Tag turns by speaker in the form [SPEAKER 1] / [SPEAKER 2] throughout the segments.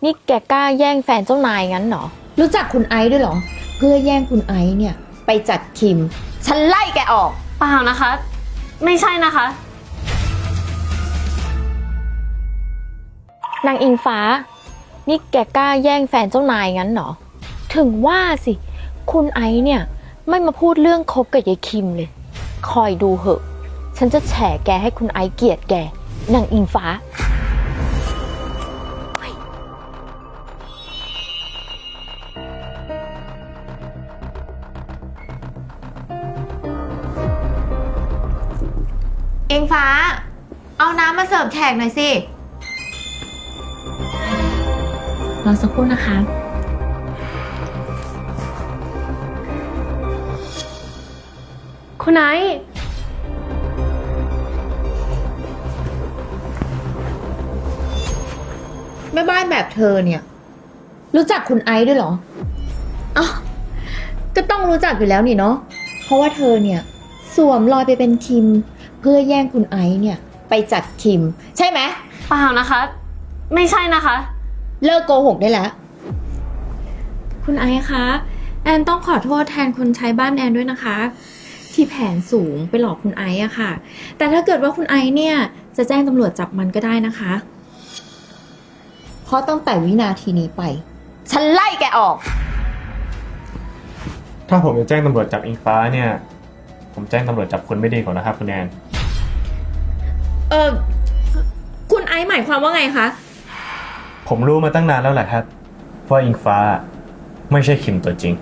[SPEAKER 1] นี่แกกล้าแย่งแฟนเจ้านายงั้นเหรอ
[SPEAKER 2] รู้จักคุณไอซ์ด้วยเหรอเพื่อแย่งคุณไอซ์เนี่ยไปจัดคิมฉันไล่แกออก
[SPEAKER 3] เปล่านะคะ ไม่ใช่นะคะ
[SPEAKER 1] นางอิงฟ้านี่แกกล้าแย่งแฟนเจ้านายงั้นเหรอถึงว่าสิคุณไอซ์เนี่ยไม่มาพูดเรื่องคบกับยายคิมเลยคอยดูเหอะฉันจะแฉแกให้คุณไอซ์เกลียดแกนางอิงฟ้า
[SPEAKER 2] อิงฟ้าเอาน้ำมาเสิร์ฟแขกหน่อยสิรอสักครู่นะคะ
[SPEAKER 3] คุณไอซ์
[SPEAKER 2] แม่บ้านแบบเธอเนี่ยรู้จักคุณไอซ์ด้วยเหรออ๋อก็ต้องรู้จักอยู่แล้วนี่เนาะเพราะว่าเธอเนี่ยสวมรอยไปเป็นคิมเพื่อแย่งคุณไอซ์เนี่ยไปจัดคิมใช่ไหม
[SPEAKER 3] เปล่านะคะ ไม่ใช่นะคะ
[SPEAKER 2] เลิกโกหกได้แล้ว
[SPEAKER 4] คุณไอซ์คะแอนต้องขอโทษแทนคนใช้บ้านแอนด้วยนะคะที่แผนสูงไปหลอกคุณไอซ์อะค่ะแต่ถ้าเกิดว่าคุณไอซ์เนี่ยจะแจ้งตำรวจจับมันก็ได้นะคะ
[SPEAKER 2] เพราะตั้งแต่วินาทีนี้ไปฉันไล่แกออก
[SPEAKER 5] ถ้าผมจะแจ้งตำรวจจับอิงฟ้าเนี่ยผมแจ้งตำรวจจับคนไม่ดีกว่านะครับคุณแอน
[SPEAKER 4] คุณไอซ์หมายความว่าไงคะ
[SPEAKER 5] ผมรู้มาตั้งนานแล้วแหละครับว่าอิงฟ้าไม่ใช่คิมตัวจริง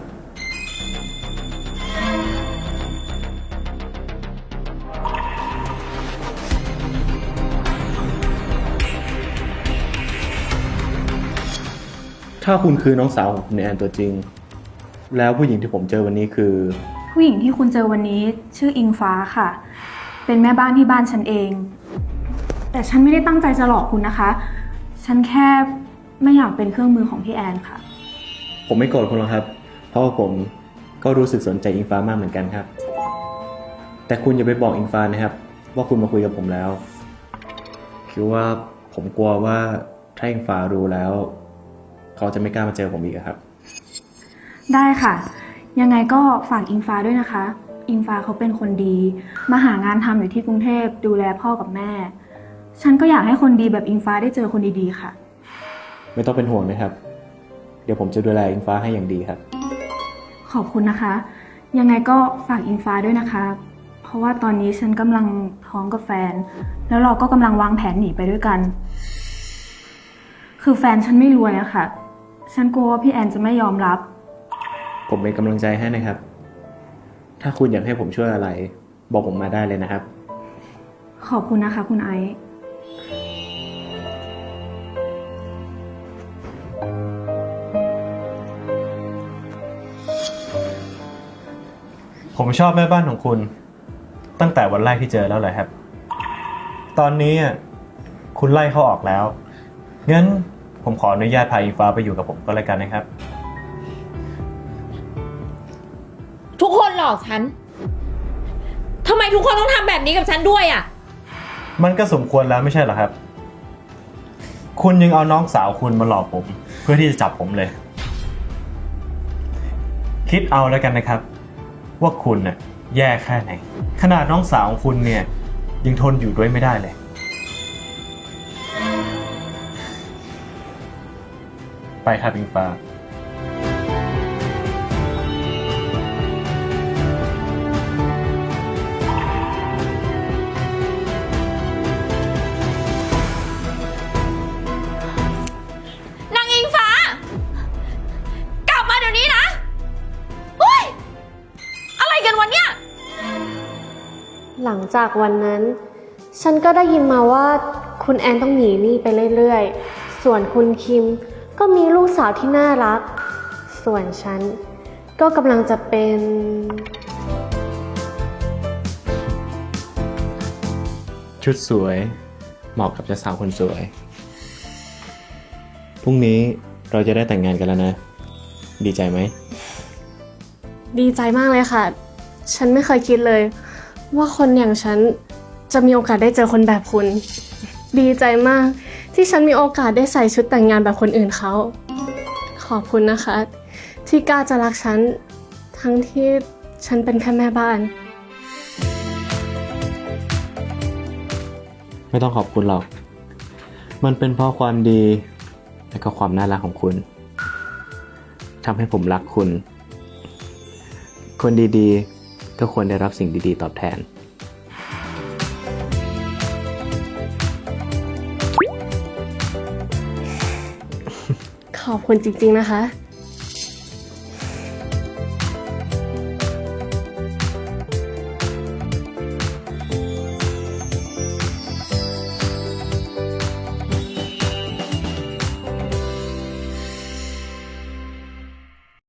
[SPEAKER 5] ถ้าคุณคือน้องสาวของคุณแอนตัวจริงแล้วผู้หญิงที่ผมเจอวันนี้คือ
[SPEAKER 6] ผู้หญิงที่คุณเจอวันนี้ชื่ออิงฟ้าค่ะเป็นแม่บ้านที่บ้านฉันเองแต่ฉันไม่ได้ตั้งใจจะหลอกคุณนะคะฉันแค่ไม่อยากเป็นเครื่องมือของพี่แอนค่ะ
[SPEAKER 5] ผมไม่โกรธคุณหรอกครับเพราะว่าผมก็รู้สึกสนใจอิงฟ้ามากเหมือนกันครับแต่คุณอย่าไปบอกอิงฟ้านะครับว่าคุณมาคุยกับผมแล้วคือว่าผมกลัวว่าถ้าอิงฟ้ารู้แล้วเขาจะไม่กล้ามาเจอผมอีกครับ
[SPEAKER 6] ได้ค่ะยังไงก็ฝากอิงฟ้าด้วยนะคะอิงฟ้าเขาเป็นคนดีมาหางานทำอยู่ที่กรุงเทพดูแลพ่อกับแม่ฉันก็อยากให้คนดีแบบอิงฟ้าได้เจอคนดีๆค่ะ
[SPEAKER 5] ไม่ต้องเป็นห่วงนะครับเดี๋ยวผมจะดูแลอิงฟ้าให้อย่างดีครับ
[SPEAKER 6] ขอบคุณนะคะยังไงก็ฝากอิงฟ้าด้วยนะคะเพราะว่าตอนนี้ฉันกำลังท้องกับแฟนแล้วเราก็กำลังวางแผนหนีไปด้วยกันคือแฟนฉันไม่รวยอะค่ะฉันกลัวว่าพี่แอนจะไม่ยอมรับ
[SPEAKER 5] ผมเป็นกำลังใจให้นะครับถ้าคุณอยากให้ผมช่วยอะไรบอกผมมาได้เลยนะครับ
[SPEAKER 6] ขอบคุณนะคะคุณไอซ์
[SPEAKER 5] ผมชอบแม่บ้านของคุณตั้งแต่วันแรกที่เจอแล้วเลยครับตอนนี้คุณไล่เขาออกแล้วงั้นผมขออนุญาตพาอิงฟ้าไปอยู่กับผมก็แล้วกันนะครับ
[SPEAKER 2] ทุกคนหลอกฉันทำไมทุกคนต้องทำแบบนี้กับฉันด้วยอ่ะ
[SPEAKER 5] มันก็สมควรแล้วไม่ใช่เหรอครับคุณยังเอาน้องสาวคุณมาหลอกผมเพื่อที่จะจับผมเลยคิดเอาแล้วกันนะครับว่าคุณน่ะแย่แค่ไหนขนาดน้องสาวของคุณเนี่ยยังทนอยู่ด้วยไม่ได้เลยไปครับอิงฟ้าน
[SPEAKER 2] างอิงฟ้ากลับมาเดี๋ยวนี้นะเฮ้ยอะไรกันวันเนี้ย
[SPEAKER 3] หลังจากวันนั้นฉันก็ได้ยินมาว่าคุณแอนต้องหนีหนี้ไปเรื่อยๆส่วนคุณคิมก็มีลูกสาวที่น่ารักส่วนฉันก็กำลังจะเป็น
[SPEAKER 5] ชุดสวยเหมาะกับเจ้าสาวคนสวยพรุ่งนี้เราจะได้แต่งงานกันแล้วนะดีใจไหม
[SPEAKER 3] ดีใจมากเลยค่ะฉันไม่เคยคิดเลยว่าคนอย่างฉันจะมีโอกาสได้เจอคนแบบคุณดีใจมากที่ฉันมีโอกาสได้ใส่ชุดแต่งงานแบบคนอื่นเขา ขอบคุณนะคะ ที่กล้าจะรักฉัน ทั้งที่ฉันเป็นแค่แม่บ้าน
[SPEAKER 5] ไม่ต้องขอบคุณหรอก มันเป็นเพราะความดีและก็ความน่ารักของคุณทำให้ผมรักคุณ คนดีๆก็ควรได้รับสิ่งดีๆตอบแทน
[SPEAKER 3] ขอบคุณจริงๆนะคะ